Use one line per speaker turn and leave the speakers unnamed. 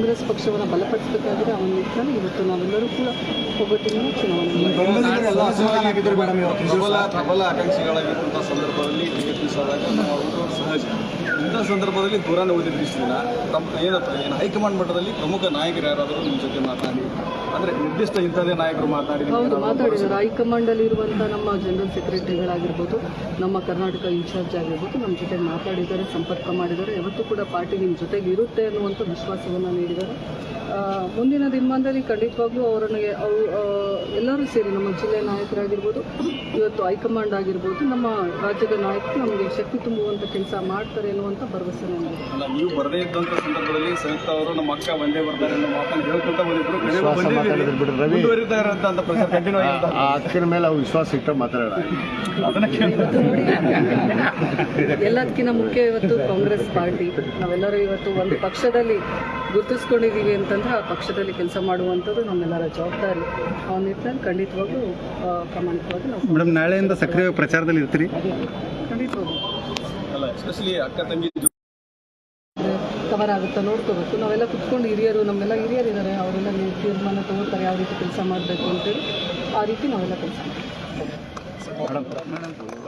ಕಾಂಗ್ರೆಸ್ ಪಕ್ಷವನ್ನು ಬಲಪಡಿಸಬೇಕಾಗಿದೆ. ಅವನ ನಿಟ್ಟಿನಲ್ಲಿ ಇವತ್ತು ನಾವೆಲ್ಲರೂ ಕೂಡ ಒಗ್ಗಟ್ಟಿನಿಂದ ಚುನಾವಣೆ
ಪ್ರಬಲ ಆಕಾಂಕ್ಷಿಗಳಾಗಿರುವಂಥ ಸಂದರ್ಭದಲ್ಲಿ ಟಿಕೆಟ್ ಮಿಸ್ ಆದಾಗ ನಾವು ಸಹಜ. ಇಂಥ ಸಂದರ್ಭದಲ್ಲಿ ದೂರನೇ ಓದಿದ್ರು ಇಷ್ಟು ದಿನ ಏನು ಹೈಕಮಾಂಡ್ ಮಟ್ಟದಲ್ಲಿ ಪ್ರಮುಖ ನಾಯಕರು ಯಾರಾದರೂ ನಿಮ್ಮ ಜೊತೆ ಮಾತನಾಡಿ, ಅಂದರೆ ನಿರ್ದಿಷ್ಟ ಇಂಥದೇ ನಾಯಕರು
ಮಾತಾಡಿದ್ದಾರೆ. ಹೈಕಮಾಂಡಲ್ಲಿ ಇರುವಂಥ ನಮ್ಮ ಜನರಲ್ ಸೆಕ್ರೆಟರಿಗಳಾಗಿರ್ಬೋದು, ನಮ್ಮ ಕರ್ನಾಟಕ ಇನ್ಚಾರ್ಜ್ ಆಗಿರ್ಬೋದು, ನಮ್ಮ ಜೊತೆ ಮಾತಾಡಿದ್ದಾರೆ, ಸಂಪರ್ಕ ಮಾಡಿದ್ದಾರೆ. ಯಾವತ್ತೂ ಕೂಡ ಪಾರ್ಟಿ ನಿಮ್ಮ ಜೊತೆಗೆ ಇರುತ್ತೆ ಅನ್ನುವಂಥ ವಿಶ್ವಾಸವನ್ನು ನೀಡಿದ್ದಾರೆ. ಮುಂದಿನ ದಿನಮಾನದಲ್ಲಿ ಖಂಡಿತವಾಗ್ಲೂ ಅವರನ್ನು ಎಲ್ಲರೂ ಸೇರಿ ನಮ್ಮ ಜಿಲ್ಲೆಯ ನಾಯಕರಾಗಿರ್ಬೋದು, ಇವತ್ತು ಹೈಕಮಾಂಡ್ ಆಗಿರ್ಬೋದು, ನಮ್ಮ ರಾಜ್ಯದ ನಾಯಕರು ನಮಗೆ ಶಕ್ತಿ ತುಂಬುವಂಥ ಕೆಲಸ ಮಾಡ್ತಾರೆ ಅನ್ನುವಂಥ ಭರವಸೆ ನಮಗೆ.
ನೀವು ಬರದೇ ಇದ್ದಂಥ ಸಂದರ್ಭದಲ್ಲಿ ಸಂಯುಕ್ತ ಅವರು ನಮ್ಮ ಅಕ್ಕ ಒಂದೇ ಬರ್ತಾರೆ ಅನ್ನೋ ಮಾತನ್ನು ಹೇಳ್ಕೊಳ್ತಾ ಬಂದಿದ್ರು.
ಅಕ್ಕಿನ ಮೇಲೆ ಅವ್ರು ವಿಶ್ವಾಸ ಇಟ್ಟು ಮಾತಾಡೋಣ.
ಎಲ್ಲದಕ್ಕಿಂತ ಮುಖ್ಯ ಇವತ್ತು ಕಾಂಗ್ರೆಸ್ ಪಾರ್ಟಿ ನಾವೆಲ್ಲರೂ ಇವತ್ತು ಒಂದು ಪಕ್ಷದಲ್ಲಿ ಗುರುತಿಸ್ಕೊಂಡಿದ್ದೀವಿ ಅಂತಂದ್ರೆ ಆ ಪಕ್ಷದಲ್ಲಿ ಕೆಲಸ ಮಾಡುವಂಥದ್ದು ನಮ್ಮೆಲ್ಲರ ಜವಾಬ್ದಾರಿ. ಆ ನಿಟ್ಟಿನಲ್ಲಿ ಖಂಡಿತವಾಗೂ ಪ್ರಾಮಾಣಿಕವಾಗಿ ನಾವು
ಮೇಡಮ್ ನಾಳೆಯಿಂದ ಸಕ್ರಿಯ ಪ್ರಚಾರದಲ್ಲಿ ಇರ್ತೀರಿ.
ಖಂಡಿತವಾಗೂ
ಅಲ್ಲ, ಎಸ್ಪೆಷಲಿ ಅಕ್ಕ ತಂಗಿ
ಕವರ್ ಆಗುತ್ತಾ ನೋಡ್ಕೋಬೇಕು. ನಾವೆಲ್ಲ ಕುತ್ಕೊಂಡು ಹಿರಿಯರು, ನಮ್ಮೆಲ್ಲ ಹಿರಿಯರಿದ್ದಾರೆ, ಅವರೆಲ್ಲ ತೀರ್ಮಾನ ತಗೋತಾರೆ ಯಾವ ರೀತಿ ಕೆಲಸ ಮಾಡಬೇಕು ಅಂತೇಳಿ. ಆ ರೀತಿ ನಾವೆಲ್ಲ ಕೆಲಸ ಮಾಡ್ತೀವಿ.